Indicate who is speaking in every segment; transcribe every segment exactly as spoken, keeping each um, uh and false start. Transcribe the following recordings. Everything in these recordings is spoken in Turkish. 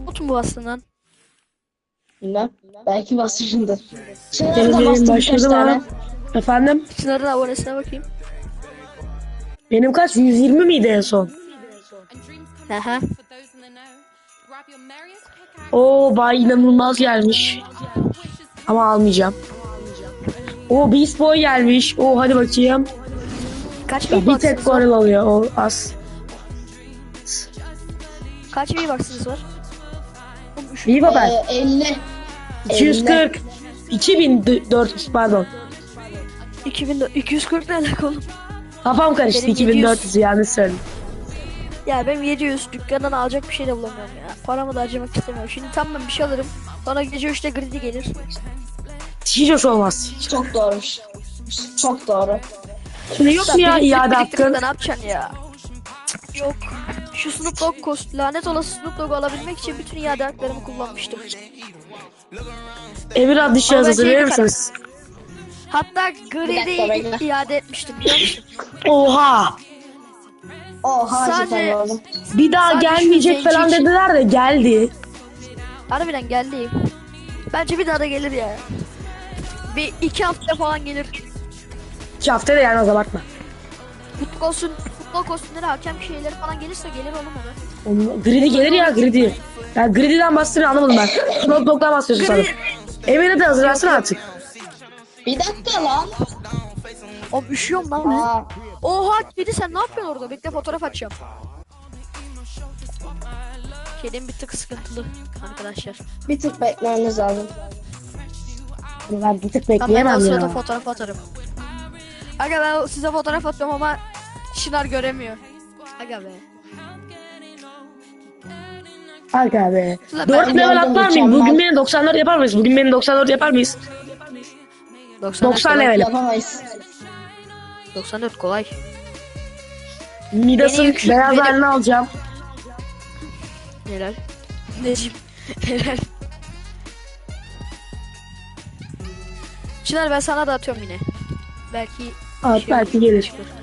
Speaker 1: Bot mu bastın lan?
Speaker 2: Bilmem. Belki basmışındır. Çınar'a
Speaker 3: Benim
Speaker 2: da
Speaker 3: benim
Speaker 2: bastım birkaç
Speaker 3: başladı
Speaker 2: tane.
Speaker 3: mı? Efendim?
Speaker 1: Çınar'ın abonesine bakayım.
Speaker 3: Benim kaç? yüz yirmi miydi en son?
Speaker 1: Aha.
Speaker 3: Oo bay inanılmaz gelmiş. Ama almayacağım. Oo Beast Boy gelmiş. Oo hadi bakayım.
Speaker 1: Kaç
Speaker 3: Ya, bir tek
Speaker 1: V-Bucks'ınız var?
Speaker 3: goril alıyor o az.
Speaker 1: Kaç V-Bucks'ınız var? Oğlum, üç-
Speaker 3: İyi baba.
Speaker 2: Ee, elli.
Speaker 3: iki yüz kırk. iki bin dört yüz pardon.
Speaker 1: iki bin iki yüz kırk ne alaka oğlum?
Speaker 3: Kafam karıştı.
Speaker 1: Benim
Speaker 3: iki bin dört yüz yanlış söyledim.
Speaker 1: Ya benim yedi yüz dükkandan alacak bir şey de bulamıyorum ya. Paramı da harcamak istemiyorum. Şimdi tam ben bir şey alırım. Sonra gece üçte Greedy gelir.
Speaker 3: Hiç hoş olmaz.
Speaker 2: Çok doğru. Çok doğru.
Speaker 3: Şimdi yok mu ya
Speaker 1: Biriktirip
Speaker 3: iade
Speaker 1: biriktirip
Speaker 3: hakkın?
Speaker 1: de ne yapacaksın ya? Cık, Yok. Şu Snoop Dogg kost lanet olası Snoop Dogg'u alabilmek için bütün iade haklarımı kullanmıştım.
Speaker 3: Emir adlı
Speaker 1: Ama
Speaker 3: şahıs
Speaker 1: ben
Speaker 3: hazırlayır
Speaker 1: şeyi
Speaker 3: mısınız?
Speaker 1: Hatta
Speaker 2: dakika,
Speaker 1: Greedy'yi
Speaker 2: bekle.
Speaker 1: iade etmiştim biliyor musun?
Speaker 3: Oha!
Speaker 2: Oha
Speaker 1: Sadece-
Speaker 2: cidden oğlum.
Speaker 3: Bir daha
Speaker 1: Sadece şu
Speaker 3: gelmeyecek
Speaker 1: zenci
Speaker 3: falan
Speaker 1: için.
Speaker 3: dediler de geldi.
Speaker 1: Harbiden geldi. Bence bir daha da gelir ya. Bir iki hafta falan gelir.
Speaker 3: İki hafta da gelmez abartma.
Speaker 1: Futbol olsun, futbol kostümleri, hakem şeyleri falan gelirse gelir oğlum o da.
Speaker 3: Onun- Greedy gelir ya Greedy. Ya Greedy'den bahsediyor anlamadım ben. Snoop Dogg'dan bahsediyorsun sanırım. Emir'i de hazırlarsın artık.
Speaker 2: Bir dakika lan.
Speaker 1: Oğlum üşüyorum lan ben.
Speaker 2: Aa,
Speaker 1: Oha kedi sen ne yapıyorsun orada? Bekle fotoğraf açacağım. Kedim bir tık sıkıntılı arkadaşlar.
Speaker 2: bir tık beklemeniz lazım.
Speaker 3: Ben bir tık
Speaker 1: Tamam ben de o
Speaker 3: bekleyemem
Speaker 1: sırada
Speaker 3: ya.
Speaker 1: fotoğraf atarım. Aga ben size fotoğraf atıyorum ama Çınar göremiyor. Aga be.
Speaker 3: Aga be.
Speaker 1: Ulan
Speaker 3: dört
Speaker 1: ben
Speaker 3: level
Speaker 2: gördüm,
Speaker 3: atlar mıyım?
Speaker 2: mükemmel.
Speaker 3: Bugün beni doksan dört yapar mıyız? Bugün beni doksan dört yapar mıyız?
Speaker 1: doksan dört
Speaker 3: doksan
Speaker 1: kolay.
Speaker 3: level.
Speaker 2: Yapamayız.
Speaker 1: doksan dört kolay.
Speaker 3: Midas'ın
Speaker 1: Beni yükselt-
Speaker 3: beyaz
Speaker 1: beni-
Speaker 3: halini alacağım.
Speaker 1: Helal. Necim. Helal. Çınar ben sana da atıyorum yine. Belki
Speaker 3: At
Speaker 1: şey
Speaker 3: belki
Speaker 1: olur,
Speaker 3: gelir.
Speaker 1: çıkar.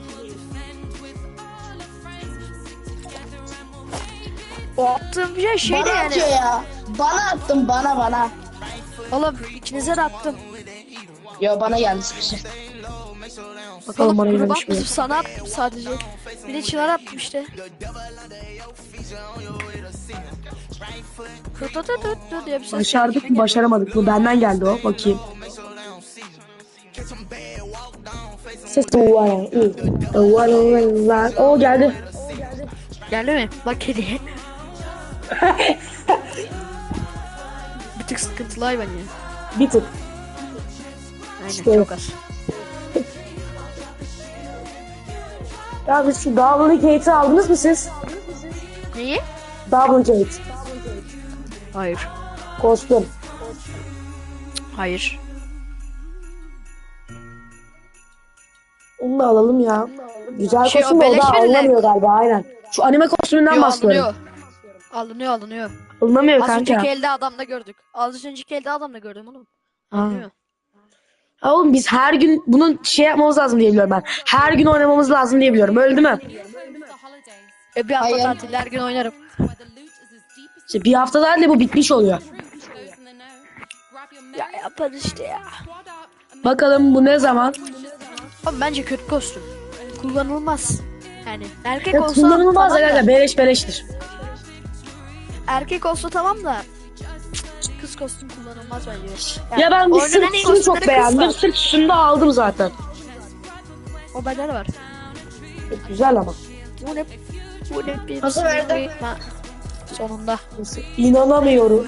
Speaker 1: O attığım bir şey şey de
Speaker 2: Bana
Speaker 1: yani.
Speaker 2: atıyor ya. Bana attın bana bana.
Speaker 1: Oğlum ikinize de attım.
Speaker 2: Yo bana geldi bir şey.
Speaker 1: Bakalım
Speaker 3: bana
Speaker 1: gruba
Speaker 3: gelmiş mi?
Speaker 1: atmışım, sana attım sadece. Bir de Çınar attım işte. Tut tut tut tut diye bir ses.
Speaker 3: Başardık mı başaramadık mı? Benden geldi o. Bakayım. Ses de var ya. O geldi.
Speaker 1: Geldi mi? Bak kediye. Bir tık sıkıntılı hayvan ya.
Speaker 3: Bir tık.
Speaker 1: Aynen
Speaker 3: İşte.
Speaker 1: çok az.
Speaker 3: Ya biz şu Duplicate'i aldınız mı siz?
Speaker 1: Neyi?
Speaker 3: Duplicate.
Speaker 1: Hayır.
Speaker 3: Kostüm.
Speaker 1: Hayır.
Speaker 3: Onu da alalım ya. Güzel
Speaker 1: Şey,
Speaker 3: kostüm
Speaker 1: o
Speaker 3: de o
Speaker 1: beleş
Speaker 3: da
Speaker 1: verilen-
Speaker 3: alınamıyor galiba aynen. Şu anime kostümünden
Speaker 1: Yo,
Speaker 3: bahsediyorum.
Speaker 1: alınıyor. Alınıyor alınıyor.
Speaker 3: Alınamıyor
Speaker 1: Az
Speaker 3: kanka.
Speaker 1: önceki elde adamda gördük. Az önceki elde adamda gördüm oğlum.
Speaker 3: Ha.
Speaker 1: Alınıyor.
Speaker 3: Ha oğlum biz her gün bunun şey yapmamız lazım diye biliyorum ben. Her gün oynamamız lazım diye biliyorum. Öyle değil mi?
Speaker 1: E bir hafta
Speaker 2: Hayır.
Speaker 1: tatil her gün oynarım.
Speaker 3: İşte bir hafta daha da bu bitmiş oluyor.
Speaker 1: Ya yaparız işte ya.
Speaker 3: Bakalım bu ne zaman?
Speaker 1: Ama bence kötü kostüm. Kullanılmaz. Yani erkek
Speaker 3: Ya
Speaker 1: olsa
Speaker 3: kullanılmaz
Speaker 1: tamam da,
Speaker 3: aga beleş beleştir.
Speaker 1: erkek olsa tamam da cık, kız kostüm kullanılmaz bence. Yani
Speaker 3: Ya ben bir
Speaker 1: oynanan
Speaker 3: sırt
Speaker 1: en
Speaker 3: üstünü
Speaker 1: kostümleri
Speaker 3: çok
Speaker 1: kız
Speaker 3: beğendim.
Speaker 1: var.
Speaker 3: Sırt üstünü de aldım zaten.
Speaker 1: O bedel var.
Speaker 3: Çok güzel ama.
Speaker 1: Bu ne? Bu ne bir
Speaker 2: Nasıl verdi?
Speaker 1: Ha, sonunda.
Speaker 3: İnanamıyorum.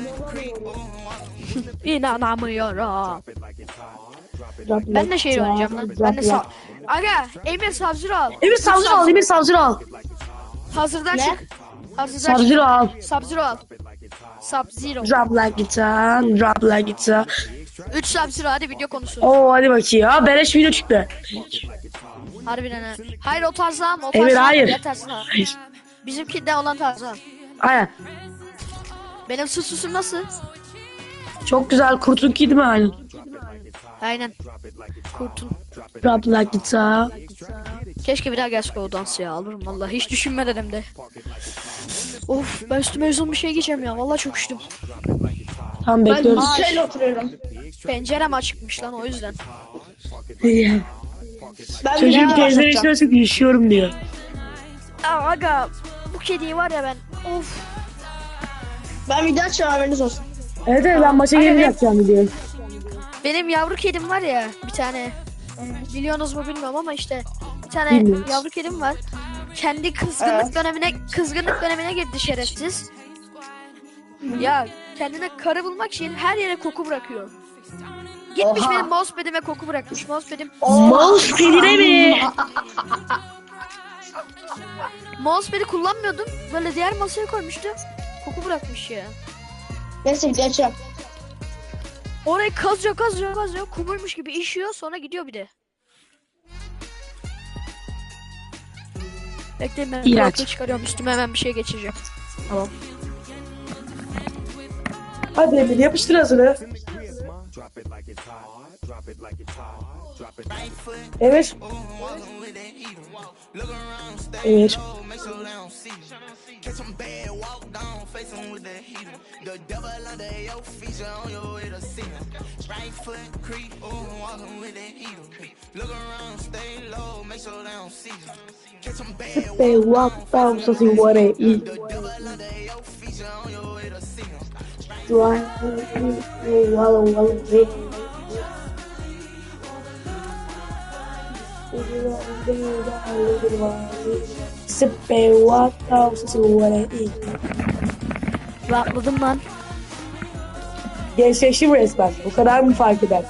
Speaker 1: İnanamıyorum. Ben de şey oynayacağım lan. Ben de sağ. Aga Emir Savcı al.
Speaker 3: Emir Savcı al, Emir Savcı al.
Speaker 1: Hazırdan
Speaker 2: Ne?
Speaker 1: çık. Hazırdan çık.
Speaker 3: Savcı al.
Speaker 1: Sub-Zero al. Sub-Zero.
Speaker 3: Drop like it's on, drop like it's on.
Speaker 1: üç Sub-Zero hadi video konusu.
Speaker 3: Oo hadi bakayım. Ha beleş video çıktı.
Speaker 1: Harbiden ha. Hayır o tarzı alma. O
Speaker 3: Emir,
Speaker 1: tarzı alma.
Speaker 3: hayır.
Speaker 1: Diğer tarzı al.
Speaker 3: Hayır.
Speaker 1: Bizimkinde olan tarzı al.
Speaker 3: Aynen.
Speaker 1: Benim susuzum nasıl?
Speaker 3: Çok güzel. Kurtun ki değil mi aynen?
Speaker 1: Aynen. Kurtun.
Speaker 3: Drop like it's on.
Speaker 1: Keşke bir daha gelse o dansı ya alırım vallahi. Hiç düşünmedim de. Of ben üstüme uzun bir şey giyeceğim ya. Vallahi çok üşüdüm.
Speaker 3: Tam
Speaker 2: Ben
Speaker 3: bekliyoruz.
Speaker 2: şöyle oturuyorum.
Speaker 1: Pencerem açıkmış lan o yüzden.
Speaker 2: Ben
Speaker 3: Çocuğun
Speaker 2: videoya
Speaker 3: teyze
Speaker 2: başlatacağım.
Speaker 3: içine çok üşüyorum diyor.
Speaker 1: Aa, aga bu kediyi var ya ben. Of.
Speaker 2: Ben video açacağım, haberiniz olsun.
Speaker 3: Evet evet ben maça
Speaker 1: Aga,
Speaker 3: gelince
Speaker 1: ben-
Speaker 3: yapacağım videoyu.
Speaker 1: Benim yavru kedim var ya bir tane. Biliyorsunuz mu bilmiyorum ama işte bir tane
Speaker 3: Bilmiyoruz.
Speaker 1: yavru kedim var. Kendi kızgınlık
Speaker 2: Evet.
Speaker 1: dönemine kızgınlık dönemine girdi şerefsiz. Ya kendine karı bulmak için her yere koku bırakıyor. Gitmiş
Speaker 2: Oha.
Speaker 1: benim mousepad'ime koku bırakmış. Mousepad'im
Speaker 3: Mouse pedine mi?
Speaker 1: mousepad'i kullanmıyordum. Böyle diğer masaya koymuştu. Koku bırakmış ya.
Speaker 2: Neyse video açacağım.
Speaker 1: Orayı kazıyor kazıyor kazıyor. Kumuymuş gibi işiyor sonra gidiyor bir de. Bekleyin ben
Speaker 3: İğrenç.
Speaker 1: kulaklığı çıkarıyorum. Üstüme hemen bir şey geçireceğim. Tamam.
Speaker 3: Hadi Emir yapıştır hazırı. Emir. Emir. They walk down so see what they eat. Dry, wallow, wallow, Sip and walk down so see what they eat.
Speaker 1: Rahatladım lan.
Speaker 3: Gençleştim resmen. Bu kadar mı fark eder?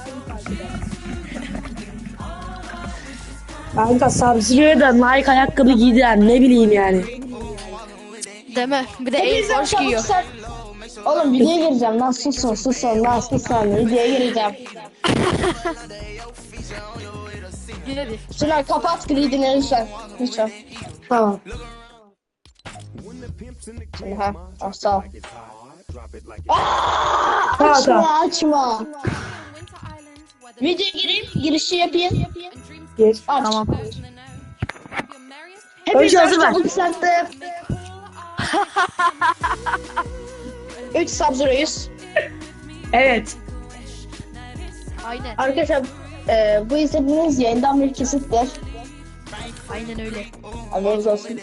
Speaker 3: Kanka Sub-Zero'ya da Nike ayakkabı giydiler ne bileyim yani.
Speaker 1: Deme. Bir de Air
Speaker 2: Hepinizden
Speaker 1: Force
Speaker 2: çabuk
Speaker 1: giyiyor.
Speaker 2: sen. Oğlum videoya gireceğim lan, susun susun lan, susun, videoya gireceğim.
Speaker 1: Gir hadi.
Speaker 2: Şunlar kapat gridini lütfen. Lütfen.
Speaker 3: Tamam.
Speaker 2: Şimdi ha. Ah, sağ ol.
Speaker 3: Kanka.
Speaker 2: Açma açma. Videoya gireyim, girişi yapayım.
Speaker 3: Geç.
Speaker 2: Aç.
Speaker 1: Tamam.
Speaker 2: Hepiniz
Speaker 3: hazır ver.
Speaker 2: çabuk sattı. üç Sub-Zero'yuz.
Speaker 3: Evet.
Speaker 1: Aynen.
Speaker 2: Arkadaşlar e, bu izlediğiniz yayından bir kesittir.
Speaker 1: Aynen öyle.
Speaker 2: Haberiniz olsun.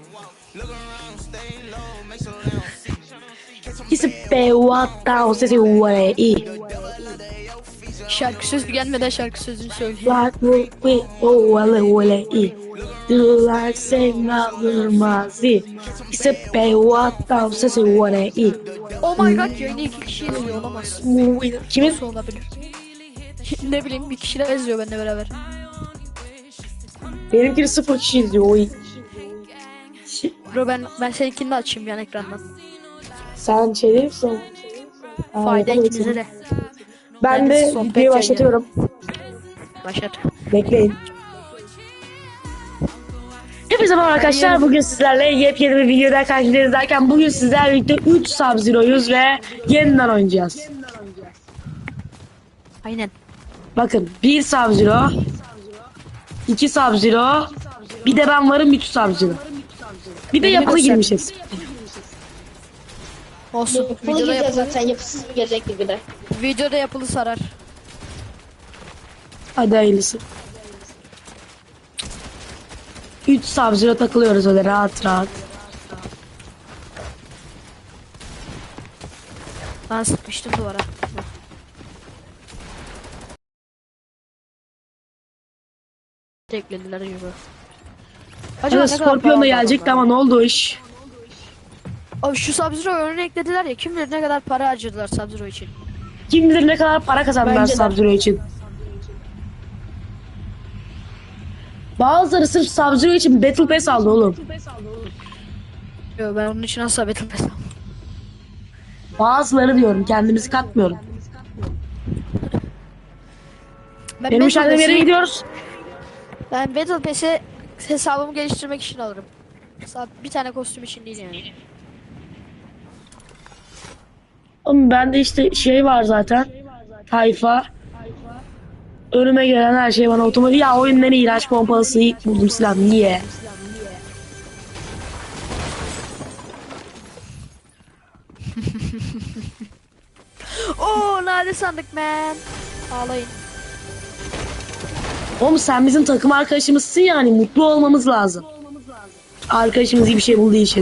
Speaker 3: Sip and walk down so see what they eat.
Speaker 1: Şarkı sözü gelmeden şarkı sözünü söyleyeyim.
Speaker 3: Like we oh well well eat. Do like say mazi. Sip and walk down so see what they eat.
Speaker 1: Oh my god yayını iki kişi izliyor olamaz.
Speaker 3: Kimin?
Speaker 1: Nasıl olabilir? Ne bileyim bir kişiler izliyor benimle beraber.
Speaker 3: Benimkini sıfır kişi izliyor. Oy.
Speaker 1: Bro ben, ben seninkini de açayım yan ekrandan.
Speaker 3: Sen şey değil misin? Aa,
Speaker 1: Fayda
Speaker 3: yapamadım.
Speaker 1: ikinize de.
Speaker 3: Ben
Speaker 1: Ben
Speaker 3: de
Speaker 1: sohbet
Speaker 3: videoyu başlatıyorum.
Speaker 1: Başlat.
Speaker 3: Bekleyin. Hepinize merhaba arkadaşlar. Bugün sizlerle yepyeni bir videoda karşınızdayken bugün sizlerle birlikte üç Sub-Zero'yuz ve yeniden oynayacağız.
Speaker 1: Aynen.
Speaker 3: Bakın bir Sub-Zero, iki Sub-Zero, bir de ben varım üç Sub-Zero. Bir de
Speaker 1: Beni
Speaker 3: yapılı
Speaker 1: göster.
Speaker 3: girmişiz.
Speaker 1: Olsun.
Speaker 2: Bunu
Speaker 1: Videoda,
Speaker 2: gireceğiz
Speaker 1: yapılı,
Speaker 2: zaten, yapısız bir gelecek gibi de.
Speaker 1: videoda yapılı sarar.
Speaker 3: Hadi hayırlısı. üç Sub-Zero takılıyoruz öyle rahat rahat.
Speaker 1: Ben sıkmıştım duvara. Eklediler gibi. Acaba
Speaker 3: Evet,
Speaker 1: ne kadar
Speaker 3: Scorpion da
Speaker 1: para
Speaker 3: gelecekti
Speaker 1: aldı
Speaker 3: ama ne oldu o iş?
Speaker 1: Abi şu Sub-Zero örneği eklediler ya kim bilir ne kadar para harcadılar Sub-Zero için.
Speaker 3: Kim bilir ne kadar para kazandılar
Speaker 2: Bence de.
Speaker 3: Sub-Zero için. Bazıları sırf Sub-Zero için Battle Pass aldı oğlum.
Speaker 1: Yo ben onun için asla Battle Pass almam.
Speaker 3: Bazıları diyorum, kendimizi katmıyorum.
Speaker 1: Ben
Speaker 3: Benim
Speaker 1: Battle
Speaker 3: işaretim
Speaker 1: Pass'i-
Speaker 3: yere gidiyoruz.
Speaker 1: Ben Battle Pass'i hesabımı geliştirmek için alırım. Sa- Bir tane kostüm için değil yani.
Speaker 3: Oğlum bende işte şey var zaten. Tayfa. Önüme gelen her şey bana otomatik. Ya oyundan iğrenç pompalısı buldum silah. Niye?
Speaker 1: Oo nadir sandık man. Ağlayın.
Speaker 3: Oğlum sen bizim takım arkadaşımızsın yani mutlu olmamız lazım. Arkadaşımız iyi bir şey bulduğu için.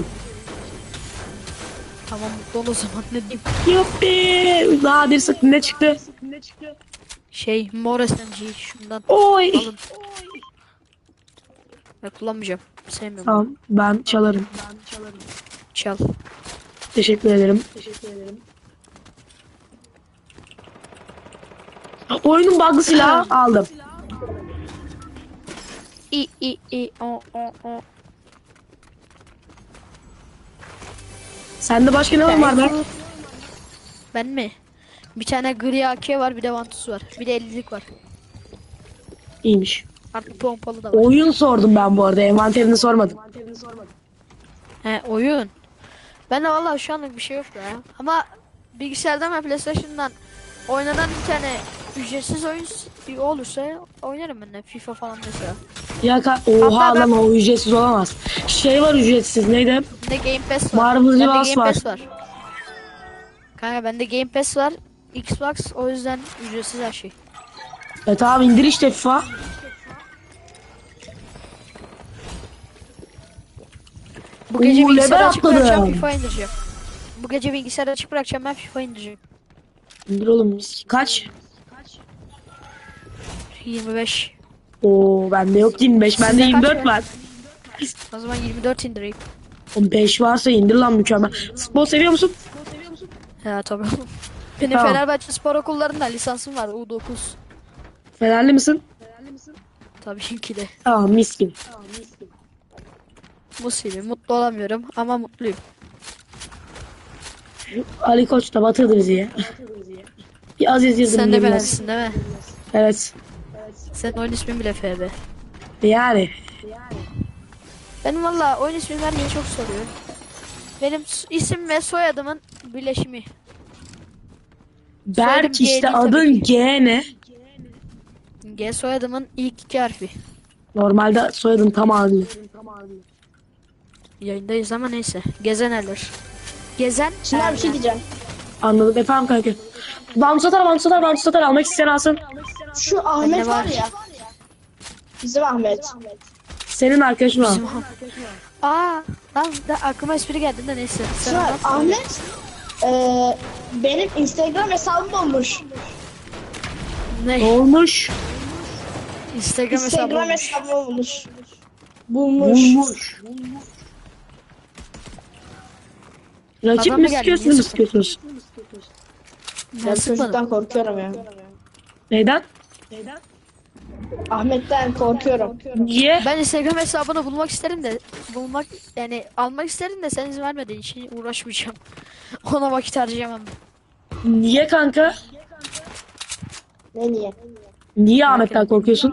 Speaker 1: Tamam mutlu ol o zaman ne diyeyim.
Speaker 3: Yuppi. Nadir sık ne çıktı?
Speaker 1: Şey mor S M G şundan
Speaker 3: Oy.
Speaker 1: alın. Ben kullanmayacağım. Sevmiyorum.
Speaker 3: Tamam ben çalarım.
Speaker 1: Çal.
Speaker 3: Teşekkür ederim. Teşekkür ederim. Oyunun bug'lı silahı aldım.
Speaker 1: İ i i o o o.
Speaker 3: Sende başka ne var be?
Speaker 1: Ben mi? Bir tane gri A K var, bir de Vantus var. Bir de ellilik var.
Speaker 3: İyiymiş.
Speaker 1: Artık pompalı da var.
Speaker 3: Oyun sordum ben bu arada. Envanterini sormadım.
Speaker 1: He oyun. Ben de vallahi şu anlık bir şey yok ya. Ama bilgisayardan ve PlayStation'dan oynanan bir tane ücretsiz oyun s- olursa oynarım ben de FIFA falan mesela.
Speaker 3: Ya ka- oha
Speaker 1: Hatta ben-
Speaker 3: lan o ücretsiz olamaz. Şey var ücretsiz neydi?
Speaker 1: Bende Game Pass var.
Speaker 3: Marvel
Speaker 1: Bende
Speaker 3: Rivals
Speaker 1: Game
Speaker 3: var.
Speaker 1: Pass var. Kanka bende Game Pass var. Xbox o yüzden ücretsiz her şey.
Speaker 3: E tamam indir işte FIFA.
Speaker 1: Bu gece
Speaker 3: Oo,
Speaker 1: bilgisayarı
Speaker 3: level
Speaker 1: açık bırakacağım,
Speaker 3: atladım.
Speaker 1: FIFA indireceğim. Bu gece bilgisayarı açık bırakacağım, ben FIFA indireceğim.
Speaker 3: İndir oğlum mis- kaç?
Speaker 1: yirmi beş.
Speaker 3: Oo bende yok yirmi beş bende
Speaker 1: Sizde kaç
Speaker 3: yirmi dört
Speaker 1: var?
Speaker 3: var.
Speaker 1: O zaman yirmi dört indireyim.
Speaker 3: Oğlum beş varsa indir lan mükemmel. Futbol seviyor musun?
Speaker 1: Ya tabii. Benim
Speaker 3: Tamam.
Speaker 1: Fenerbahçe spor okullarında lisansım var U dokuz.
Speaker 3: Fenerli misin?
Speaker 1: Tabii ki de.
Speaker 3: Tamam mis gibi.
Speaker 1: Mutluyum. Mutlu olamıyorum ama mutluyum.
Speaker 3: Ali Koç da batırdı bizi ya. Bir Aziz Yıldırım
Speaker 1: Sen de
Speaker 3: girmez.
Speaker 1: Fenerlisin değil mi?
Speaker 3: Evet.
Speaker 1: Senin oyun ismin bile F B.
Speaker 3: Yani.
Speaker 1: Benim valla oyun ismini vermeyi çok soruyor. Benim s- isim ve soyadımın birleşimi. Soyadım
Speaker 3: Berk
Speaker 1: G
Speaker 3: işte
Speaker 1: değil tabii
Speaker 3: adın
Speaker 1: ki.
Speaker 3: G ne?
Speaker 1: G soyadımın ilk iki harfi.
Speaker 3: Normalde soyadın tam adlı.
Speaker 1: Yayındayız ama neyse. Gezeneler. Gezen
Speaker 2: Şimdi bir şey
Speaker 1: Erler.
Speaker 2: diyeceğim.
Speaker 3: Anladım efendim kanka. Bambu satar, bambu satar, bambu satar. Almak isteyen alsın.
Speaker 2: Şu Ahmet
Speaker 1: Bende
Speaker 2: var
Speaker 1: var.
Speaker 2: ya. Bizim Ahmet.
Speaker 3: Senin arkadaşın var.
Speaker 1: Aa, lan da aklıma espri geldi de neyse. Sen
Speaker 2: Şu
Speaker 1: anlat.
Speaker 2: Ahmet eee benim Instagram hesabım olmuş.
Speaker 3: Ne
Speaker 1: Ne?
Speaker 3: olmuş?
Speaker 1: Instagram hesabı
Speaker 2: Instagram
Speaker 1: olmuş.
Speaker 2: hesabım olmuş. Bulmuş.
Speaker 3: Bulmuş. Rakip
Speaker 1: Adam mı
Speaker 3: mi
Speaker 1: geldi?
Speaker 3: sıkıyorsunuz,
Speaker 1: Niye
Speaker 3: mu sıkıyorsunuz?
Speaker 2: Ben
Speaker 1: Ben sıkmadım.
Speaker 2: çocuktan korkuyorum ya.
Speaker 3: Neyden?
Speaker 2: Ahmet'ten korkuyorum.
Speaker 3: Niye?
Speaker 1: Ben Instagram hesabını bulmak isterim de bulmak yani almak isterim de sen izin vermediğin için uğraşmayacağım. Ona vakit harcayamam.
Speaker 3: Niye kanka?
Speaker 2: Ne niye?
Speaker 3: Niye Ahmet'ten korkuyorsun?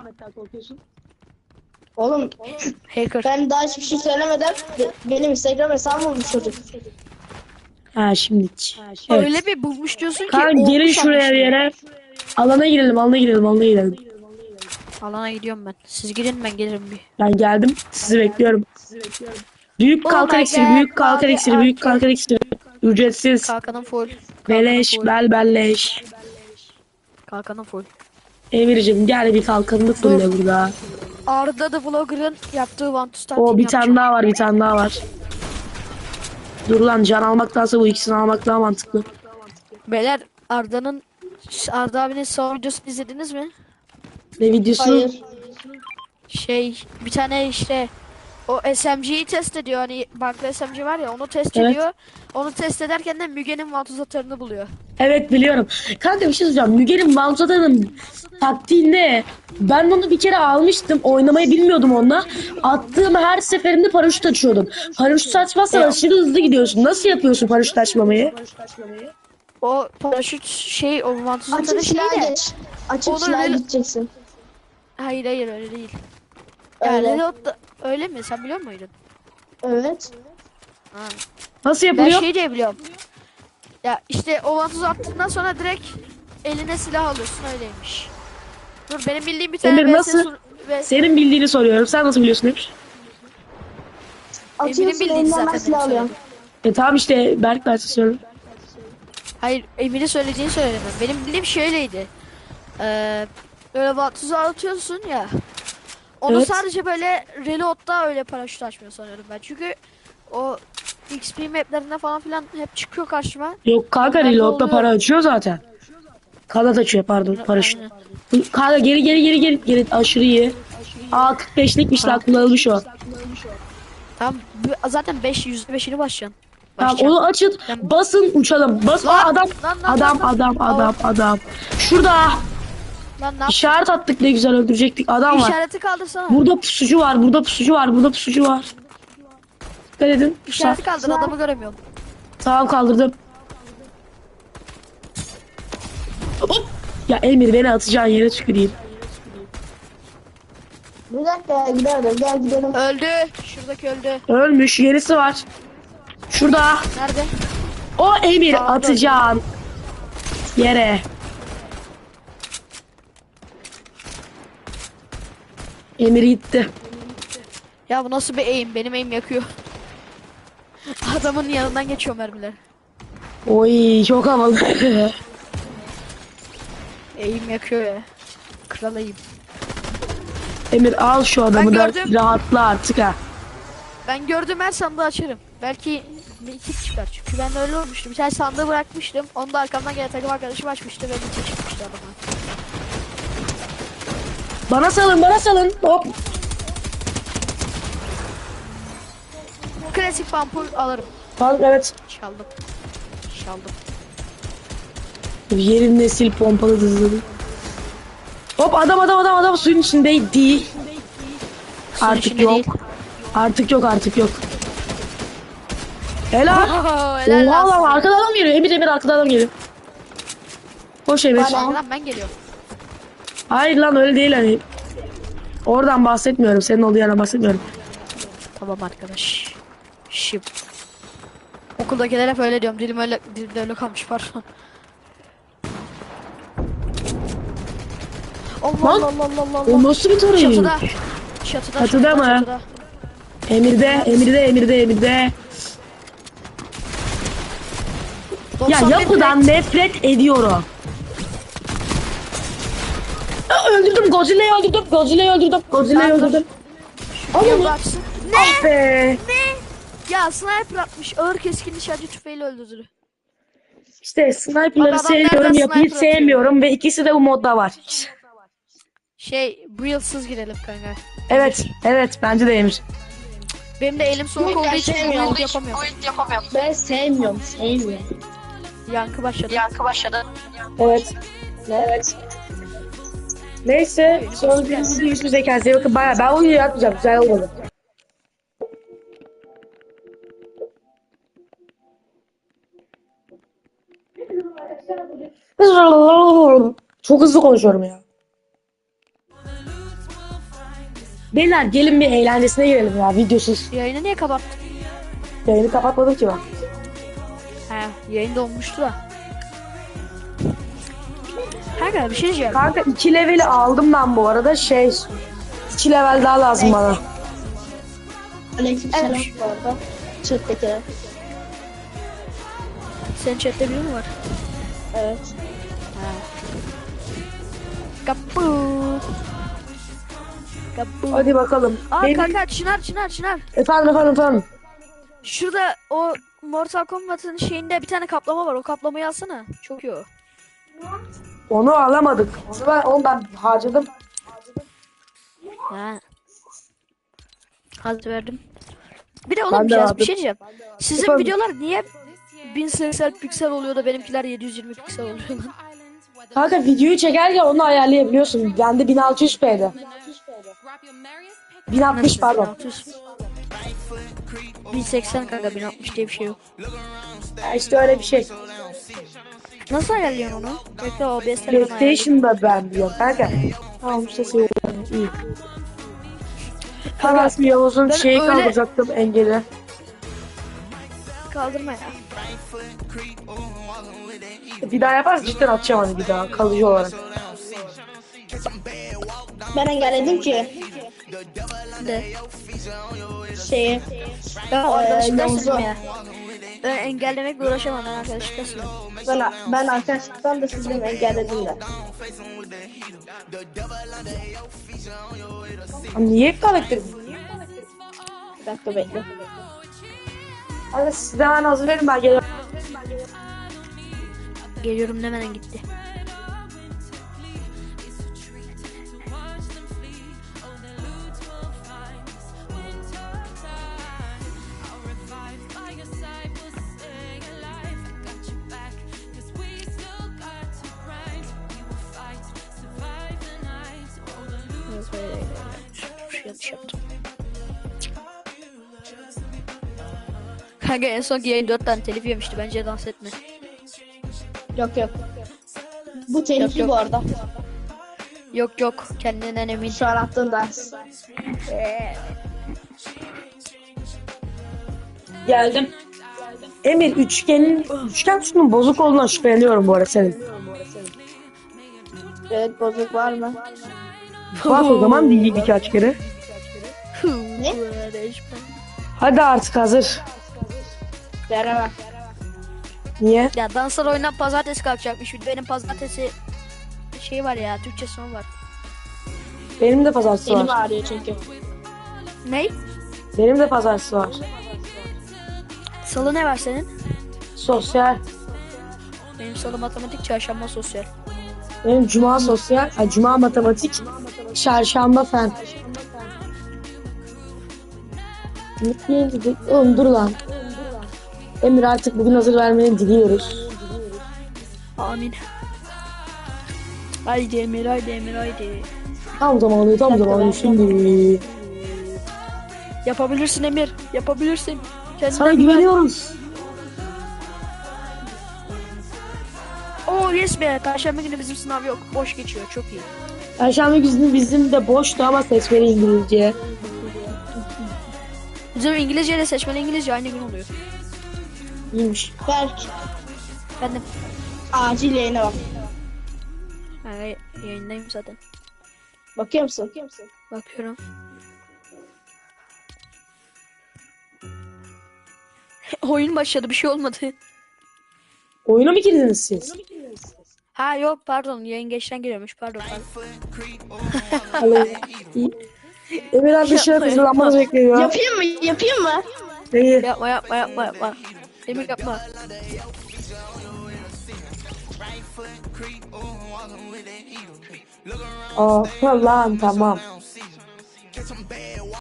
Speaker 2: Oğlum
Speaker 1: Hacker.
Speaker 2: ben daha hiçbir şey söylemeden be- benim Instagram hesabım olmuş çocuk.
Speaker 3: Ha şimdi. Evet.
Speaker 1: Öyle bir bulmuş diyorsun ki
Speaker 3: Kanka gelin
Speaker 1: olmuş
Speaker 3: şuraya bir
Speaker 1: anlaşılıyor.
Speaker 3: yere. Alana girelim, alana girelim, alana girelim.
Speaker 1: Alana gidiyorum ben. Siz girin ben gelirim bir.
Speaker 3: Ben geldim. Sizi bekliyorum. Büyük
Speaker 1: Oh
Speaker 3: kalkan
Speaker 1: my
Speaker 3: iksiri,
Speaker 1: God,
Speaker 3: büyük kalkan
Speaker 1: abi,
Speaker 3: iksiri, büyük
Speaker 1: abi.
Speaker 3: kalkan iksiri. Ücretsiz.
Speaker 1: Kalkanım full. Kalkanım
Speaker 3: Beleş,
Speaker 1: full.
Speaker 3: bel belleş.
Speaker 1: Kalkanım full.
Speaker 3: Emir'cim gel bir kalkanını fulle burada.
Speaker 1: Arda the Vlogger'ın yaptığı One to Start
Speaker 3: O bir
Speaker 1: yapacağım.
Speaker 3: tane daha var, bir tane daha var. Dur lan can almaktansa bu ikisini almak daha mantıklı.
Speaker 1: Beyler Arda'nın Arda abinin son videosunu izlediniz mi?
Speaker 3: Ne videosu?
Speaker 2: Hayır.
Speaker 1: Şey bir tane işte o S M G'yi test ediyor, hani banklı S M G var ya, onu test
Speaker 3: Evet.
Speaker 1: ediyor. Onu test ederken de Müge'nin vantuzatörünü buluyor.
Speaker 3: Evet biliyorum. Kanka bir şey söyleyeceğim. Müge'nin Banzada'nın taktiğinde ben onu bir kere almıştım. Oynamayı bilmiyordum onunla. Attığım her seferinde paraşüt açıyordum. Paraşüt açmazsan
Speaker 1: Ya.
Speaker 3: aşırı hızlı gidiyorsun. Nasıl yapıyorsun paraşüt açmamayı?
Speaker 1: O paraşüt şey o vantuzatörü
Speaker 2: Açık
Speaker 1: şey
Speaker 2: silahı
Speaker 1: de.
Speaker 2: geç. Açık
Speaker 1: Onu
Speaker 2: silahı
Speaker 1: öyle-
Speaker 2: gideceksin.
Speaker 1: Hayır hayır öyle değil. Yani
Speaker 2: Öyle.
Speaker 1: Reload da- öyle mi? Sen biliyor muydun?
Speaker 2: Evet.
Speaker 1: Ha.
Speaker 3: Nasıl
Speaker 1: Ben
Speaker 3: yapılıyor?
Speaker 1: şey diye biliyorum. Ya işte o vantuzu attıktan sonra direkt eline silah alıyorsun, öyleymiş. Dur benim bildiğim bir tane
Speaker 3: Emir,
Speaker 1: V S
Speaker 3: nasıl?
Speaker 1: sur- ve
Speaker 3: Senin bildiğini soruyorum. Sen nasıl biliyorsun Emir?
Speaker 1: Emir'in
Speaker 2: Atıyorsun
Speaker 1: bildiğini
Speaker 2: elinden
Speaker 1: zaten
Speaker 2: ben
Speaker 1: benim
Speaker 2: silah alıyorum.
Speaker 1: söyledim.
Speaker 3: E tamam işte Berk ben size söylüyorum.
Speaker 1: Hayır, Emir'in söylediğini söyledim. Benim bildiğim şöyleydi. Ee, böyle vatuzu atıyorsun ya. Onu
Speaker 3: Evet.
Speaker 1: sadece böyle reload'da öyle paraşüt açmıyor sanıyorum ben. Çünkü o X P maplerinde falan filan hep çıkıyor karşıma.
Speaker 3: Yok kanka,
Speaker 1: Onlarda
Speaker 3: reload'da
Speaker 1: oluyor.
Speaker 3: para açıyor zaten. Kanat açıyor pardon, paraşüt.
Speaker 1: Aynen.
Speaker 3: Kanka geri geri geri geri geri aşırı iyi. Aa kırk beşlikmiş lan, kullanılmış o.
Speaker 1: Tamam, bu- zaten beş yüzde beşini başlayacaksın.
Speaker 3: Tamam
Speaker 1: Başlayacaksın.
Speaker 3: onu açın,
Speaker 1: Ben-
Speaker 3: basın uçalım. Bas. Aa,
Speaker 1: Lan,
Speaker 3: adam
Speaker 1: lan, lan,
Speaker 3: adam
Speaker 1: lan, lan.
Speaker 3: adam
Speaker 1: Aa.
Speaker 3: adam adam. Şurada
Speaker 1: Lan ne yap?
Speaker 3: işaret attık, ne güzel öldürecektik. Adam var.
Speaker 1: İşareti kaldırsana.
Speaker 3: Burada pusucu var, burada pusucu var, burada pusucu var. Dikkat edin.
Speaker 1: İşareti
Speaker 3: Sağ-
Speaker 1: kaldır, adamı göremiyorum.
Speaker 3: Tamam kaldırdım. Hop. Ya Emir, beni atacağın yere tüküreyim.
Speaker 2: Bir dakika gidelim gel gidelim.
Speaker 1: Öldü. Şuradaki öldü.
Speaker 3: Ölmüş, yenisi var. Şurada.
Speaker 1: Nerede?
Speaker 3: O Emir,
Speaker 1: Sağda.
Speaker 3: atacağın yere. Emir gitti.
Speaker 1: Ya bu nasıl bir aim? Benim aim yakıyor. Adamın yanından geçiyor mermiler.
Speaker 3: Oy çok havalı.
Speaker 1: Aim yakıyor ya. Kral aim.
Speaker 3: Emir al şu adamı da
Speaker 1: gördüm.
Speaker 3: rahatla artık ha.
Speaker 1: Ben gördüğüm her sandığı açarım. Belki iki çıkar. Çünkü ben de öyle olmuştu. Bir tane sandığı bırakmıştım. Onu da arkamdan gelen takım arkadaşım açmıştı ve bir çıkmıştı adama.
Speaker 3: Bana salın, bana salın. Hop.
Speaker 1: Klasik pump'u alırım.
Speaker 3: Bak evet.
Speaker 1: Çaldım. Çaldım.
Speaker 3: Yerin nesil pompalı hızlı. Hop adam adam adam adam suyun içindeydi.
Speaker 1: Suyun
Speaker 3: Artık
Speaker 1: içinde
Speaker 3: yok.
Speaker 1: değil.
Speaker 3: Artık yok artık yok. Helal.
Speaker 1: Oho, helal
Speaker 3: Oha
Speaker 1: lan
Speaker 3: lan,
Speaker 1: size.
Speaker 3: arkadan adam geliyor. Emir Emir arkadan adam geliyor. Koş Emir.
Speaker 1: Arkadan ben geliyorum.
Speaker 3: Hayır lan öyle değil hani. Oradan bahsetmiyorum. Senin olduğu yerden bahsetmiyorum.
Speaker 1: Tamam arkadaş. Şıp. Okuldakiler hep öyle diyorum. Dilim öyle, dilimde öyle kalmış pardon. Allah
Speaker 3: Lan,
Speaker 1: Allah Allah Allah Allah.
Speaker 3: O nasıl bir tarayı?
Speaker 1: Çatıda. Çatıda.
Speaker 3: Çatıda mı?
Speaker 1: Çatıda.
Speaker 3: Emir'de, Emir'de, Emir'de, Emir'de. Ya
Speaker 1: doksan bir
Speaker 3: yapıdan
Speaker 1: direkt-
Speaker 3: nefret ediyorum. Aa, öldürdüm Godzilla'yı öldürdüm. Godzilla'yı öldürdüm. Godzilla'yı
Speaker 1: Dur, dur.
Speaker 3: öldürdüm.
Speaker 1: Yolda açsın. Ne?
Speaker 3: Ah be.
Speaker 1: Ne? Ya sniper atmış. Ağır keskin nişancı tüfeğiyle öldürdü.
Speaker 3: İşte sniper'ları
Speaker 1: Bak adam
Speaker 3: sevmiyorum,
Speaker 1: nereden
Speaker 3: yapıyı
Speaker 1: sniper atıyor?
Speaker 3: sevmiyorum ve ikisi de bu modda var.
Speaker 1: Şey, bu yılsız girelim kanka.
Speaker 3: Evet, evet bence de Emir.
Speaker 1: Benim de elim soğuk
Speaker 2: Yok,
Speaker 1: olduğu
Speaker 2: ben
Speaker 1: için
Speaker 2: sevmiyorum.
Speaker 1: build yapamıyorum.
Speaker 2: Ben sevmiyorum sevmiyorum.
Speaker 1: Yankı başladı.
Speaker 3: Evet. Evet. Neyse, sonra görüşürüz. Yüzümüze kendinize iyi bakın. Bayağı ben oyunu yapmayacağım. Güzel olmadı. Çok hızlı konuşuyorum ya. Beyler gelin bir eğlencesine girelim ya, videosuz.
Speaker 1: Yayını niye kapattın?
Speaker 3: Yayını kapatmadım ki ben.
Speaker 1: He, yayında olmuştu da. Kanka bir şey diyeceğim.
Speaker 3: Kanka iki leveli aldım ben bu arada, şey iki level daha lazım bana.
Speaker 2: Aleykümselam
Speaker 1: Evet.
Speaker 2: bu arada. Chat'tekiler.
Speaker 1: Senin chatte biri mi var?
Speaker 2: Evet.
Speaker 1: Kapı. Kapı.
Speaker 3: Hadi bakalım.
Speaker 1: Aa
Speaker 3: Benim-
Speaker 1: kanka Çınar Çınar Çınar.
Speaker 3: Efendim efendim efendim.
Speaker 1: Şurada o Mortal Kombat'ın şeyinde bir tane kaplama var. O kaplamayı alsana. Çok iyi o.
Speaker 3: Onu alamadık. Onu ben, onu ben harcadım.
Speaker 1: Ha. Hadi verdim. Bir de
Speaker 3: Ben
Speaker 1: oğlum
Speaker 3: de
Speaker 1: biraz
Speaker 3: aldım.
Speaker 1: bir şey diyeceğim. Sizin
Speaker 3: Efendim?
Speaker 1: videolar niye bin seksen piksel oluyor da benimkiler yedi yüz yirmi piksel oluyor lan?
Speaker 3: Kanka videoyu çekerken onu ayarlayabiliyorsun. Bende bin altı yüz p'de. bin altmış pardon.
Speaker 1: bin altı yüz. bin seksen kanka bin altmış diye bir şey yok.
Speaker 3: Ya işte öyle bir şey.
Speaker 1: Nasıl ayarlıyorsun onu? Bekle O B S'ten ben ayarlayayım.
Speaker 3: PlayStation'da ben diyorum kanka. Tamam sesi yok. İyi. Kanka ismi Yavuz'un
Speaker 1: ben
Speaker 3: şeyi
Speaker 1: öyle-
Speaker 3: kaldıracaktım, engeli.
Speaker 1: Kaldırma ya.
Speaker 3: Bir daha yaparsa cidden atacağım hani bir daha kalıcı olarak.
Speaker 2: Ben engelledim ki
Speaker 1: De.
Speaker 2: şeyi.
Speaker 1: Ben arkadaşlıkla
Speaker 2: Yavuz'u.
Speaker 1: ya. Ben engellemekle uğraşamam, ben arkadaşlıkla sınırım.
Speaker 2: Ben, ben arkadaşlıktan da sizi engelledim de.
Speaker 3: Niye karakter?
Speaker 2: Bir dakika bekle.
Speaker 3: Hadi siz de hemen hazır verin ben geliyorum.
Speaker 1: Geliyorum demeden gitti. Yanlış yaptım. Kanka en son yayın dört tane telif yemişti. Bence dans etme.
Speaker 2: Yok yok. Bu tehlikeli
Speaker 1: yok.
Speaker 2: bu arada.
Speaker 1: Yok yok. Kendinden emin.
Speaker 2: Şu an attığın ders.
Speaker 3: Geldim. Emir üçgenin üçgen tutunun bozuk olduğundan şüpheleniyorum bu arada senin.
Speaker 2: Evet bozuk var mı?
Speaker 3: Bak o zaman değil birkaç kere.
Speaker 2: Ne?
Speaker 3: Hadi artık hazır.
Speaker 2: Beraber.
Speaker 3: Niye?
Speaker 1: Ya danslar oyundan pazartesi kalkacakmış. Benim pazartesi şey var ya, Türkçe son var.
Speaker 3: Benim de pazartesi
Speaker 2: Elim
Speaker 3: var.
Speaker 2: ağrıyor çünkü.
Speaker 1: Ney?
Speaker 3: Benim de pazartesi var.
Speaker 1: Salı ne var senin?
Speaker 3: Sosyal.
Speaker 1: Benim salı matematik, çarşamba sosyal.
Speaker 3: Benim cuma sosyal. Ay, cuma matematik. Çarşamba fen. Oğlum dur lan. Emir artık bugün hazır vermeni diliyoruz.
Speaker 1: Amin. Haydi Emir, haydi Emir, haydi.
Speaker 3: Tam zamanı tam zamanı şimdi.
Speaker 1: Yapabilirsin Emir, yapabilirsin. Kendine
Speaker 3: Sana
Speaker 1: güven.
Speaker 3: güveniyoruz.
Speaker 1: Oo yes be, Perşembe günü bizim sınav yok. Boş geçiyor, çok iyi.
Speaker 3: Perşembe günü bizim de boştu ama seçmeli İngilizce.
Speaker 1: Bizim İngilizce ile seçmeli İngilizce aynı gün oluyor.
Speaker 3: İyiymiş.
Speaker 2: Berk.
Speaker 1: Ben de
Speaker 2: Acil yayına bak.
Speaker 1: yani yayındayım zaten.
Speaker 2: Bakıyor musun? Bakıyor musun?
Speaker 1: Bakıyorum. Oyun başladı, bir şey olmadı.
Speaker 3: Oyuna mı girdiniz siz?
Speaker 1: Ha yok pardon, yayın geçten giriyormuş, pardon pardon.
Speaker 3: Alo. İyi. Emir abi dışarı
Speaker 1: Yapma,
Speaker 3: hazırlanmanızı
Speaker 1: yapma.
Speaker 3: bekliyor.
Speaker 2: Yapayım mı? Yapayım mı?
Speaker 3: Neyi?
Speaker 1: Yapma yapma yapma yapma. Emir yapma.
Speaker 3: Aa lan tamam.